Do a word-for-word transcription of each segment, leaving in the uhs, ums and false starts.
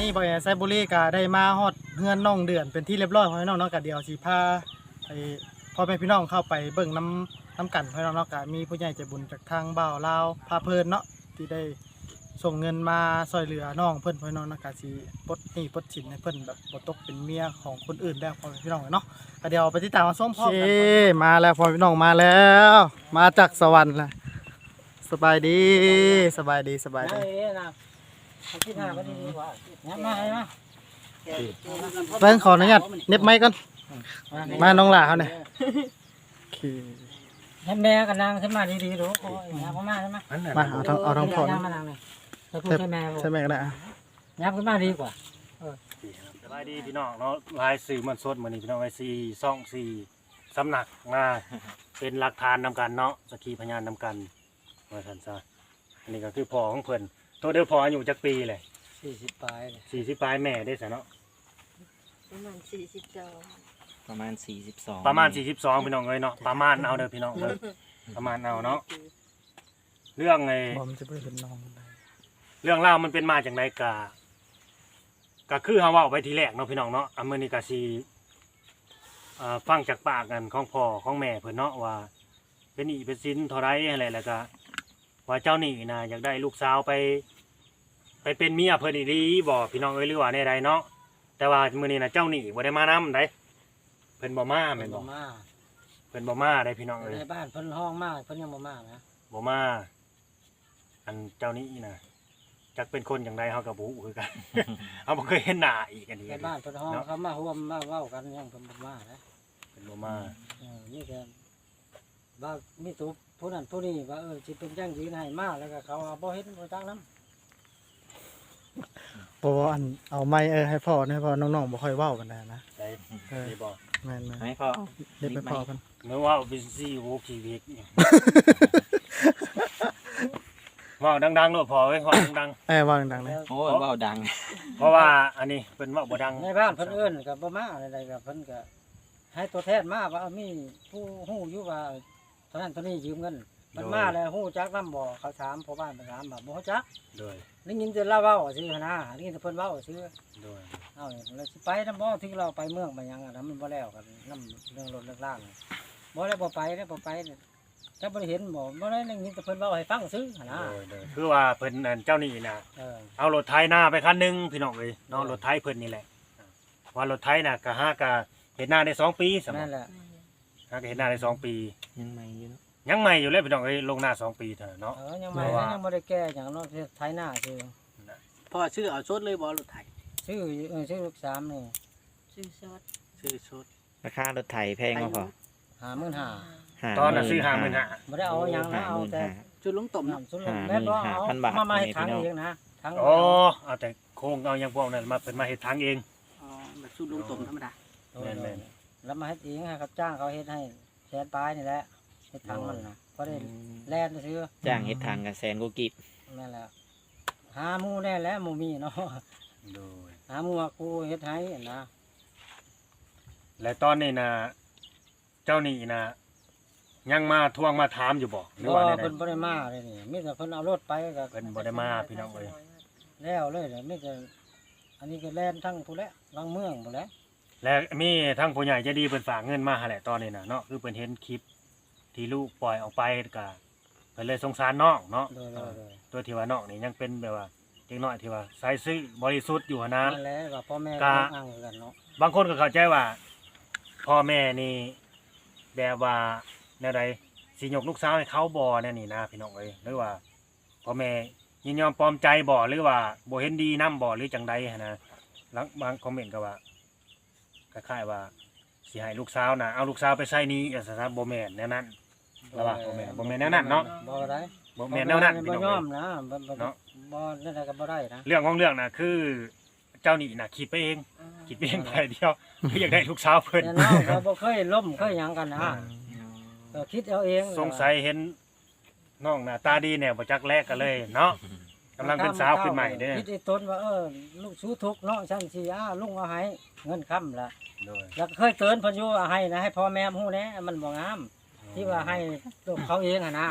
นี้บ่อยไซบุรีก็ได้มาฮอดเฮือนน้องเดือนเป็นที่เรียบร้อยพ่อพี่น้องเนาะก็เดี๋ยวสิพาไปพ่อแม่พี่น้องเข้าไปเบิ่งน้ำน้ำกันพ่อพี่น้องเนาะก็มีผู้ใหญ่ใจบุญจากทางบ่าวลาวพาเพิ่นเนาะที่ได้ส่งเงินมาช่วยเหลือน้องเพิ่นพ่อพี่น้องเนาะก็สิปลดหนี้ปลดสินให้เพิ่นแบบบ่ตกเป็นเมียของคนอื่นแล้วพ่อพี่น้องเนาะก็เดี๋ยวไปติดตามมาชมพร้อมกันมาแล้วพ่อพี่น้องมาแล้ว มาจากสวรรค์ล่ะสบายดีสบายดีสบายดีคิดหาก็ดีกว่าน้ำมาให้มาเพิ่นขออนุญาตเน็บไม้ก่อนมาน้องหล่าเขาเนี่ยให้แม่กับนางขึ้นมาดีๆดูโอ้ยยับขึ้นมาใช่ไหมมาเอาทางเอาทางพอยับมานางเลยจะพูดให้แม่ใช่ไหมก็ได้ยับขึ้นมาดีกว่าสบายดีพี่น้องเนาะลายสื่อมันสดมื้อนี้พี่น้องไอ้สี่ซ่องสี่สำนักมาเป็นหลักฐานนำกันเนาะสักขีพยานนำกันว่าซั่นซะอันนี้ก็คือพ่อของเพิ่นตัวเดียวพ่ออายุจักปีเลยสี่สิบปลายเลยสี่สิบปลายแม่ได้ซะเนาะประมาณสี่สิบสองประมาณสี่สิบสองประมาณสี่สิบสองพี่น้องเอ้ยเนาะประมาณเอาเด้อพี่น้องเด้อประมาณเอาเนาะเรื่องไอ้บอมจะไม่เห็นน้องเรื่องราวมันเป็นมาจากไหนกะก็คือเฮาเว้าไปทีแรกเนาะพี่น้องเนาะอันมื้อนี้ก็สิอ่าฟังจากปากกันของพ่อของแม่เพิ่นเนาะว่าเป็นหนี้เป็นสินเท่าไรอะไรแล้วก็ว่าเจ้าหนี้นะอยากได้ลูกสาวไป ไปเป็นเมียเพิ่นอีหลีบ่พี่น้องเอ้ยหรือว่าแนวใดเนาะแต่ว่ามื้อนี้นะเจ้าหนี้บ่ได้มานำได้เพิ่นบ่มาแม่นบ่มาเพิ่นบ่มาได้พี่น้องเอ้ยในบ้านเพิ่นห้องมากเพิ่นยังบ่มานะบ่มาอันเจ้าหนี้นะจักเป็นคนจังไดเฮาก็บ่ฮู้คือกัน เฮาบ่เคยเห็นหน้าอีกอันนี้ในบ้านเพิ่นห้องเขามาร่วมมาเว้ากันยังเพิ่นบ่มานะเพิ่นบ่มาเออนี่แกว่ามีตัวผู้นั้นผู้นี้ว่าเออสิเป็นจังยืนให้มาแล้วก็เขาบ่เฮ็ดบ่จักนำเพราะว่าอันเอาไม้เออให้พ่อให้พ่อน้องๆบ่ค่อยเว้ากันนะนะได้เออได้บ่แม่นให้พ่อๆเด็บไปพ่อเพิ่นเมื่อว่าเป็นซี่โวคีวิกว่าดังๆโลดพอไว้ว่าดังเอ้ยว่าดังๆเลยโอ้ยเว้าดังๆเพราะว่าอันนี้เป็นว่าบ่ดังในบ้านเพิ่นเอิ้นก็บ่มาอะไรๆก็เพิ่นก็ให้ตัวแทนมาว่ามีผู้ฮู้อยู่ว่าเท่านั้นเท่านี้ยืมเงินมันมาแล้วฮู้จักนำบ่เขาถามพ่อบ้านไปถามบ่บ่ฮู้จักโดยได้ยินแต่เล่าเว้าซื่อนะได้ยินแต่เพิ่นเว้าซื่อโดยเอ้าแล้วสิไปนำบ่ถึงเราไปเมืองไปหยังอ่ะนะมันบ่แล้วกันนำเรื่องรถเรื่องล่างบ่ได้บ่ไปได้บ่ไปถ้าบ่ได้เห็นบ่บ่ได้ได้ยินแต่เพิ่นเว้าให้ฟังซื่อนะโดยโดยคือว่าเพิ่นนั่นเจ้านี่น่ะเออเอารถไถนาไปคันหนึงพี่น้องเอ้ยเนาะรถไถเพิ่นนี่แหละว่ารถไถน่ะก็หากะเฮ็ดนาได้สองปีสำหรันั่บนแหละหากะเฮ็ดนาได้สองปียังไม่อยู่เนาะยังใหม่อยู่เลยพี่น้องเอ้ยลงนาสองปีเท่านั้นเนาะเออยังไม่ยังบ่ได้แก้หยังเนาะไถนาซื่อพ่อชื่อเอาชดเลยบอรถไถชื่อเออชื่อลูกสามนี่ซื้อซอสชื่อชดราคารถไถแพงมากพอห้าหมื่นห้าห้าตอนน่ะซื้อห้าหมื่นห้าบ่ได้เอาหยังนะเอาแต่จุดลุงต่มน้ำสุดแม่นบ่เอามามาให้ทางเองนะทางโอ้เอาแต่โครงเอาอย่างพวกนั้นมาเพิ่นมาเฮ็ดทางเองอ๋อแบบสูตรลุงต่มธรรมดาแล้วมาเฮ็ดเองให้เขาจ้างเขาเฮ็ดให้แสนปลายนี่แหละเฮ็ดทางมันน่ะพอได้แล่นซื้อจ้างเฮ็ดทางกับแสนกูกิบนั่นแหละหาหมู่แน่แล้วหมู่มีเนาะโดยหาหมู่ว่ากูเฮ็ดให้นะและตอนนี้นะเจ้านี่นะยังมาทวงมาถามอยู่บ่หรือบ่ว่าไงเพิ่นบ่ได้มาเลยนี่มีแต่เพิ่นเอารถไปก็เพิ่นบ่ได้มาพี่น้องเอ้ยแล้วเลยเดี๋ยวมีแต่อันนี้ก็แล่นทั้งผู้แล้วลังเมืองผู้แล้วและมีทั้งผู้ใหญ่ใจดีเพิ่นฝากเงินมาหาแหละตอนนี้นะเนาะคือเพิ่นเห็นคลิปที่ลูกปล่อยออกไปก็เพิ่นเลยสงสารน้องเนาะโดยๆตัวที่ว่าน้องนี่ยังเป็นแบบว่าเด็กน้อยที่ว่าใส่ซื่อบริสุทธิ์อยู่หั้นๆนะนั่นแหละว่าพ่อแม่กะก็อ้างกันเนาะบางคนก็เข้าใจว่าพ่อแม่นี่แบบว่าแนวใดสิยกลูกสาวให้เขาบ่แน่นี่นะพี่น้องเอ้ยหรือว่าพ่อแม่ยินยอมปลอมใจบ่หรือว่าบ่เห็นดีนํบ่หรือจังใดหั้นนะหลังบางคอมเมนต์ก็ว่าคล้ายๆว่าสิให้ลูกสาวน่ะเอาลูกสาวไปใส่หนี้อ่ะซะบ่แม่นแนวนั้นแล้วว่าบ่แม่นบ่แม่นแนวนั้นเนาะบ่ได้บ่แม่นแนวนั้นพี่บ่น้องยอเอ้มยนะบ่บ่เนาะบ่นั่นแหละก็บ่ได้นะเรื่องของเรื่องน่ะคือเจ้าหนี้น่ะคิดไปเองคิดไปเองไปเดียวคืออยากได้ลูกสาวเพิ่นแต่น้องก็บ่เคยล้มเคยหยังกันนะก็คิดเอาเองสงสัยเห็นน้องหน้าตาดีแนวบ่จักแลกกันเลยเนาะกำลังเป็นสาวขึ้นใหม่เด้อคิดไอ้ตนว่าเออลูกสู้ทุกข์เนาะฉันสิอ้าลุงเอาให้เงินค้ำล่ะโดยแล้วก็เคยเตือนเพิ่นอยู่ว่าให้นะให้พ่อแม่ฮู้แหน่มันบ่งามที่ว่าให้ลูกเขาเองอ่ะนะ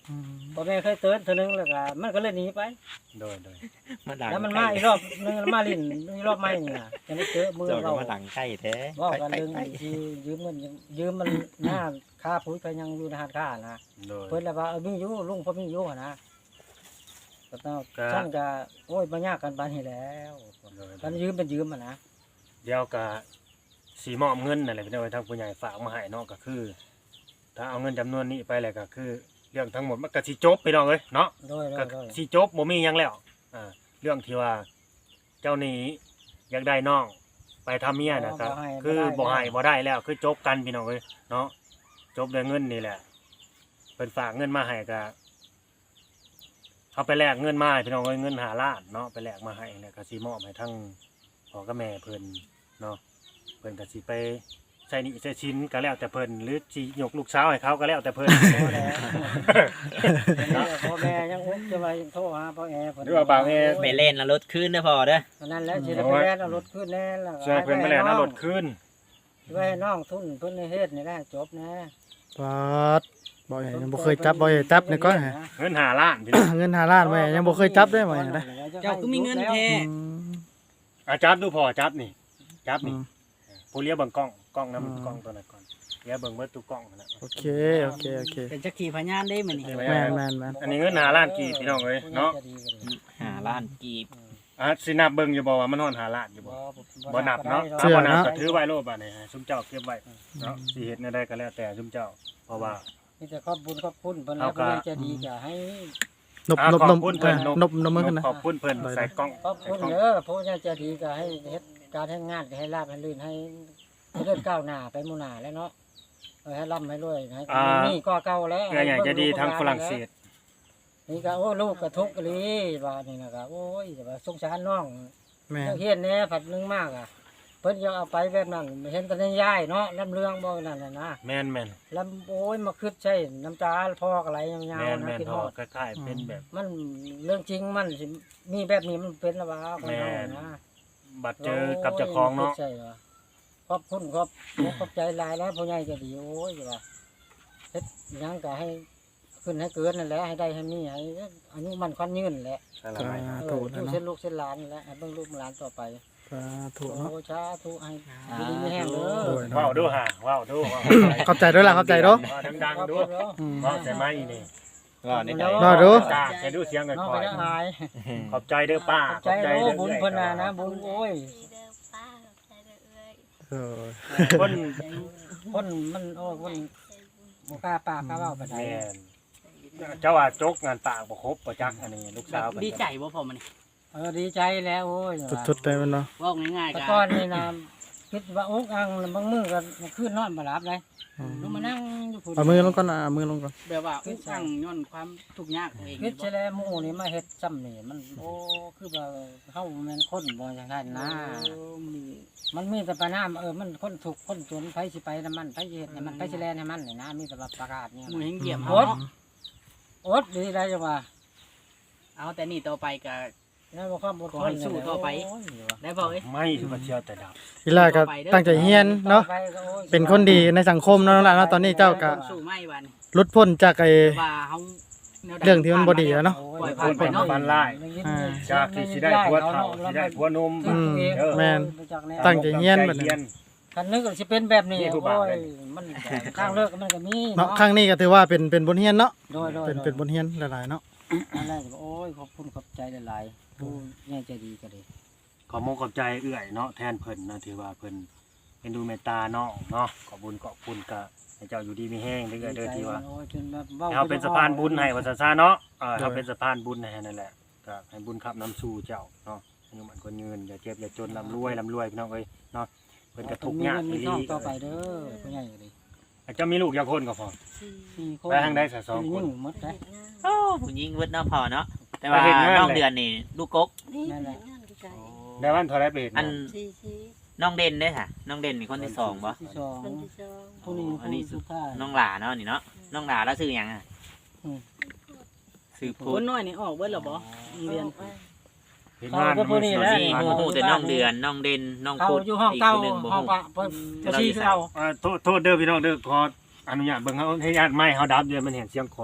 อืมพ่อแม่เคยเตือนเทื่อนึงแล้วก็มันก็เลยหนีไปโดยโดยมาดังแล้วมันมาอีกรอบนึงแล้วมาลิ้นอีกรอบใหม่นี่น่ะจะได้เจอมือเจ้าก็เรามาดังใกล้แท้เว่ากันใกล้เรื่องใกล้ที่ยืมเงินยืมมันหน้าค่าปุ๋ยก็ยังอยู่ในหาดค่านะโดยเพิ่นแล้วว่าเออมีอยู่ลุงพ่อมีอยู่หั่นนะก็ต้องก็ฉันก็โอ้ยบ่ยากกันปานนี้แล้วโดยกันยืมเป็นยืมอ่ะนะเดี๋ยวก็สีมอบเงินนั่นแหละพี่น้องทางผู้ใหญ่ฝากมาให้เนาะก็คือ ถ้าเอาเงินจำนวนนี้ไปแล้วก็คือ เรื่องทั้งหมดมันก็สิจบพี่น้องเอ้ยเนาะโดยโดก็ยโดยสิจบบ่มีหยังแล้วอ่าเรื่องที่ว่าเจ้าหนี้อยากได้น้องไปทำเมียนะครับคือบ่ให้บ่ได้แล้วคือจบกันพี่น้องเอ้ยเนาะจบด้วยเงินนี่แหละเพิ่นฝากเงินมาให้ก็เอาไปแลกเงินมาให้พี่น้องเอ้ยเงินห้าล้านเนาะไปแลกมาให้แล้วก็สิมอบให้ทั้งพ่อกับแม่เพิ่นเนาะเพิ่นก็สิไปใช้หนี้ใช้ชิ้นก็แล้วแต่เพิ่นหรือสิยกลูกสาวให้เขาก็แล้วแต่เพิ่นพอแล้วนี่พ่อแม่ยังอุกจะไปโทรหาพ่อแอเพิ่นหรือว่าบ่าวแอไปเล่นแล้วรถขึ้นเด้อพ่อเด้ออันนั้นแหล้วสิได้ไปแล่นเอารถขึ้นแน่แล้วช่วยเพิ่นไปแล้วนะรถขึ้นไว้ให้น้องทุนเพิ่นในเฮ็ดนี่แหละจบนะปาดบ่เห็นยังบ่เคยจับบ่เห็นจับนี่ก็ฮะเงินห้าล้านพี่น้องเงินห้าล้านไว้ยังบ่เคยจับได้บ่เห็นได้เจ้าก็มีเงินแท้อืมอาจับดูพอจับนี่จับอืนี่มผู้เลี้ยเบิ่งกล้องกล้องนํอืมกล้องตัวนั้นก่อนเลี้ยเบิ่งเบิดทุกกล้องนั่นแหละโอเคโอเคโอเคเป็นจักขีพยานได้มื้อนี้แม่นแม่นแม่นอันนี้เงินห้าล้านกี่พี่น้องเอ้ยเนาะหาล้านกีบอ่ะสินับเบิ่งอยู่บ่ว่ามันฮอดห้าล้านอยู่บ่บ่นับเนาะเชื่ถ้าอบ่นับเนาะก็ถือไว้โลดบัดนี้ฮะซุมเจ้าเก็บไว้เนาะสิเฮ็ดแนวใดก็แล้วแต่ซุมเจ้าเพราะว่ามีแต่ขอบบุญขอบคุณเพิ่นแล้วเอาก็เพิ่นจะดีก็ให้นบอ่ะนบขนอบบ คุณเพิ่นเออนบนบมือขึ้นนะขอบคุณเพิ่นใส่กล้องขอบใส่คุณกล้องเด้อผู้ใหญ่ใจดีก็ให้เฮ็ดการให้งานก็ให้ลาบให้ลื่นให้ให้เลื่อนก้าวหน้าไปหมู่หน้าแล้วเนาะเออให้ร่ำให้รวยให้มีก็เก่าแล้วเพื่ออยากจะดีทางฝรั่งเศสนี่ก็โอ้ลูกก็ทุกข์อีหลีว่านี่นะครับโอ้ยแต่ว่าสงสารน้องแม่นเรื่องเฮียนแหน่ผัดนึงมากอ่ะเพิ่นจะเอาไปแบบนั้นเห็นแต่ในยายเนาะลำเรื่องบ่นั่นน่ะนะแม่นแม่นลำโอ้ยมาคิดใช่น้ำตาพอกอะไรยาวแม่นๆนะแม่นคิดพฮออดคล้ายๆเป็นแบบมันเรื่องจริงมันสิมีแบบนี้มันเป็นแล้วว่าคนแม่เรานนะบัดเจอกับเจ้าของเนาะใช่เหรอขอบคุณขอบขอบใจหลายแล้วผู้ใหญ่ก็ดีโอ้ยว่าเฮ็ดหยังก็ให้ขึ้นให้เกินนั่นแหละให้ได้ให้มีให้อายุมันควันยืนแหละใช่ละไหมสาเอธุอนะดูเนาะเส้นลูกเส้นหลานนี่แหละให้เบิ่งลูกหลานต่อไปสาธุโอ้เนาะชาทุให้ดีๆไม่แห้งเด้โดอยว้าวเนาะดูฮะว้าวดูว้าวเข้าใจด้วยล่ะเข้าใจเนาะว้าวดังๆดูอืมว้าวใส่ไม้นี่ก็ในใจรอดูจ้าแกดูเสียงกันน้องก่อไปนได้อายขอบใจเด้อป้าใจโอ้บุญเพิ่นน่ะนะบุญโอ้ยดีเด้อป้าใจเด้อเอ้ยเออคนคนมันโอ้คนบ่กล้าปากกล้าเว้าปานใดแม่นเจ้าว่าจกงานปากบ่ครบบ่จักอันนี้ลูกสาวเพิ่นดีใจบ่พอมื้อนี้เออดีใจแล้วโอ้ยสุดๆเลยมันเนาะเว้าง่ายๆแต่ก็ก่อนนี่นะคิดว่าอกอังแล้วบางมื้อก็คืนนอนบ่หลับเลยอืมลงมานั่งอยู่พุ่นเอามือลงก่อนนะเอามือลงก่อนแบบว่าอุกอังย้อนความทุกข์ยากเองคิดใช่แล้วหมู่นี่มาเฮ็ดซ้ำนี่มันโอ้คือว่าเฮาแม่นคนบ่จังซั่นนะ มันมีแต่ปัญหาเออมันคนถูกข์คนจนไผสิไปนํมันไผสิเฮ็ดให้มันไผสิแลนให้มันนี่นะมีแต่ว่าประกาศเนี่ยหมู่เฮงเหยียบโอเฮาดเนาะอดดีได้จังว่าเอาแต่นี่ต่อไปก็แล้วบ่ความอดทขอน ให้สู้ต่อไปโยได้บ่เอ้ยไม่คือว่าเที่ยวแต่ดับทีแรกก็ตั้งใจเฮียนเนาะต่อไปก็โอ้ยเป็นคนดีในสังคมเนาะล่ะเนาะตอนนี้เจ้าก็สู้ไม่บัดนี้หลุดพ้นจากไอ้ว่าเฮาแนวใดเรื่องที่มันบ่ดีแล้วเนาะโอ้ปล่อยยผ่านไปเนาะฟันไล่อ่าจากที่สิได้ผัวเฒ่าสิได้ผัวหนุ่มอืมเออแม่น ตั้งใจเฮียนบัดนี้คันนึกว่าสิเป็นแบบนี้นี่ผู้โอ้บ่าวย เลยมันทางเลิกมันก็มีเนาะครั้งนี้ก็ถือว่าเป็นเป็นบทเรียนเนาะโดยโดยเป็นเป็นบทเรียนหลายๆเนาะอันแรกก็โอ้ยขอบคุณขอบใจหลายๆผู้ใหญ่ใจดีก็ดีขอมงขอบใจเอื้อยเนาะแทนเพิ่นนะที่ว่าเพิ่นเป็นดูเมตตาน้องเนาะขอบุญขอบคุณก็ให้เจ้าอยู่ดีมีแห้งเด้อเด้อที่ว่าโอ้ยจนแบบว้ให้เฮาเป็นสะพานบุญให้ว่าซะซะเนาะเออเฮาเป็นสะพานบุญให้นั่นแหละก็ให้บุญขับน้ำสู่เจ้าเนาะอายุมันคนยืนอย่าเจ็บอย่าจนร่ำรวยร่ำรวยพี่น้องเอ้ยเนาะเพิ่นก็ทุกข์ยากมีอีหเงินมีทลีองต่อไปเด้อผู้ใหญ่ก็ดีอาจจะมีลูกอยากคนก็พอสี่สี่คนไปทางใดซะสองคนยิ่หมดได้เฮ็ดงานโอ้ผู้หญิงเวิดเนาะพ่อเนาะแต่ว่าไปเฮ็ดงานน้องเลยเดือนนี่ลูกกกนี่นั่นแหละงานไกลได้วันเท่าไรไปเฮ็ดอันงานสี่สี่น้องเด่นเด้อค่ะน้องเด่นนี่คนที่สองบ่ที่สองคนที่สองผู้นี้อันนี้ผู้สุดท้ายน้องหลาเนาะนี่เนาะน้องหลาแล้วชื่อหยังอ่ะอืมชื่อพูคดนน้อยนี่ออกเบิดแล้วบ่โรงเรียนเฮ็ดงานเขาก็ผู้นี้แหละนี่ฮู้แต่น้องเดือนน้องเด่นน้องเขาพูดอยู่ห้องเก่าคนหนึงบ่ห้องฮู้ปะเพิ่นจะชี้คือเราอ่าโทษโทษเด้อพี่น้องเด้อขออนุญาตเบิ่งเฮาให้ญาติไม้เฮาดับเดี๋ยวมันเห็นเสียงคอย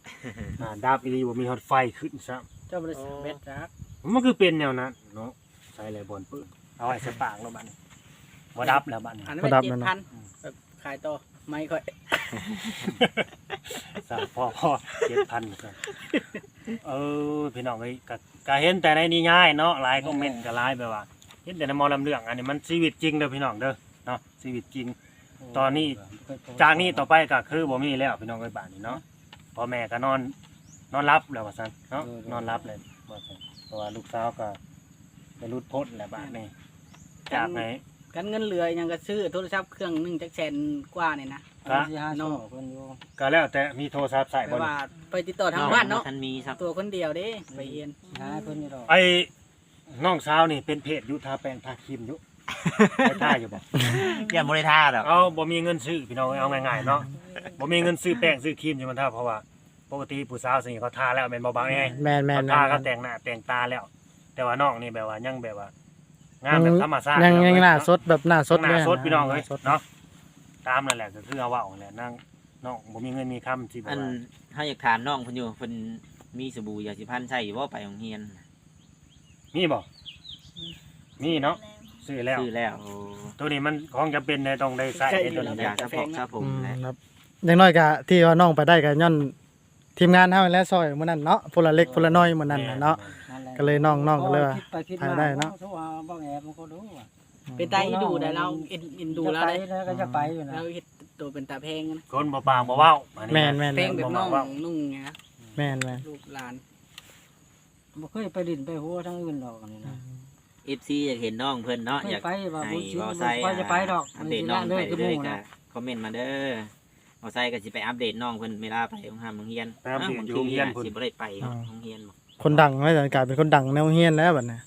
อ่าดาบอีหลีบ่มีฮอดไฟขึ้นซะเจ้าบริษัทเบ็ดจักมันคือเป็นแนวนั้นเนาะใส่เลยบนปืนเอาไว้ใส่ปากแล้วบัดนี้บ่ดับแล้วบัดนี้อันนั้นเป็นเจ็ดพันแบบขายต่อไม่ค่อยสามพ่อพ่อเจ็ดพันครับเออพี่น้องเอ้ยก็ก็เห็นแต่ในนี้ง่ายเนาะหลายคอมเมนต์ก็หลายแบบว่าเห็นแต่ในหมอลำเรื่องอันนี้มันชีวิตจริงเด้อพี่น้องเด้อเนาะชีวิตจริง ตอนนี้ จากนี้ต่อไปก็คือบ่มีแล้วพี่น้องเอ้ยบ้านนี้เนาะพ่อแม่ก็นอนนอนรับแล้วว่าซั่นเนาะนอนรับเลยว่าซั่นเพราะว่าลูกสาวก็ไปรุดพ้นแล้วบ้านนี้จากไหนกันเงินเหลือยังก็ซื้อโทรศัพท์เครื่องหนึงจักแสนกว่านี่นะก็สิหาโซ่เพิ่นอยู่ก็แล้วแต่มีโทรศัพท์ใส่แปลบ่นี่ว่าไปติดต่อทางบ้านเนาะท่านมีครับตัวคนเดียวเด้ไปเรียนสิหาเพิ่นนี่ดอกไอ้น้องสาวนี่เป็นเพจอยู่ทาแป้งทาครีมอยู่ ได้ท่าอยู่บ่อย่าบ่ได้ท่าดอกเอาบ่มีเงินซื้อพี่น้องเอาง่ายๆเนาะบ่มีเงินซื้อแป้งซื้อครีมอยู่มันท่าเพราะว่าปกติผู้สาวสิเขาทาแล้วแม่นบ่บางไงแม่นแม่นเขาแม่ทาน ก็แต่งหน้าแต่งตาแล้ว แต่ว่าน้องนี่แบบว่ายังแบบว่างามแบบธรรมชาติยังยังหน้าสดแบบหน้าสดหน้าสดะพี่น้องเอ้ยหาสดเนาะตามนั่นแหละก็คือเอาเว้านั่นแหละนั่งน้องบ่มีเงินมีคำที่แบอับนว่าเฮาอยากถามน้องเพิ่นอยู่เพิ่นมีสบู่ยาสีฟันใช้อยู่บ่ไปโรงเรียนมีบ่มีเนาะซื้อแล้วซื้อแล้วตัวนี้มันของจำเป็นในต้องได้ใช้ในตัวนี้อยากจะบอกครับผมอืมแหละครับอย่างน้อยก็ที่ว่าน้องไปได้ก็ย้อนทีมงานเฮาและซอยมื้อนั้นเนาะพลเล็กพลน้อยมื้อนั้นน่ะเนาะนั่นแหละก็เลยน้องๆก็เลยว่าคิดไปคิดถ่ายมาได้เนาะโทรหาบ่แอบมันก็รู้ว่าเป็นตาอีดูได้เราเอ็นเอ็นดูแล้วจะได้ไปแล้วก็จะไปอยู่นะเราเฮ็ดตัวเป็นตาแพงนะคนบ่ปากบ่เว้าอันนี้แม่นแม่นแพแม่งนแบบน้องนุ่งไงนะแม่นแม่นลูกหลานบ่เคยไปดินไปหัวทั้งอื่นดอกอันนี้นะเอฟซีอยากเห็นน้องเพิ่นเนาะเคอย ยากไปว่าให้บุญชิ้นบ่บ่ใส่ค่อยจะไปดอกอัปเดตน้องเลไปยคือหเรื่อยมู่ๆก็นะคอมเมนต์มาเด้อบ่ใส่ก็สิไปอัปเดตน้องเพิ่นเวลาไปโรงหามโรงเรียนไปอัปเดตอยู่โรงเรียนพุ่นสิบ่ได้ไปเนาะโรงเรียนบ่คนดังไม่แต่กลายเป็นคนดังแนวเฮียนแล้วบัดนี้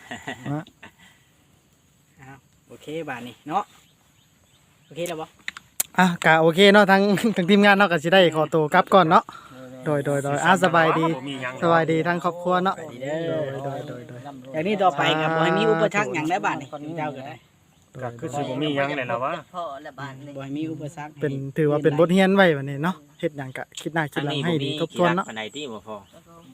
โอเคบาทนี่เนาะโอเคแล้วบ่อ่ะกะโอเคเนาะทั้ง ทั้งทีมงานเนาะก็สิได้ขอตัวกลับก่อนเนาะโดยโดยโดยอ่ะสบายดีบ่มีหยังสบายดีทั้งครอบครัวเนาะสบายดีเด้โดอยโดยโดยโดยอย่างนี้ต่อไปกับบ่ให้มีอุปสรรคหยังได้บาทนี่เจ้าก็ได้ก็คือสิบ่มีหยังเลยล่ะวะพ่อละบาทนี่บ่ให้มีอุปสรรคเป็นถือว่าเป็นบทเรียนไว้บัดนี้เนาะเฮ็ดหยังก็คิดหน้าคิดหลังให้ดีทบทวนเนาะปานใดที่บ่พอ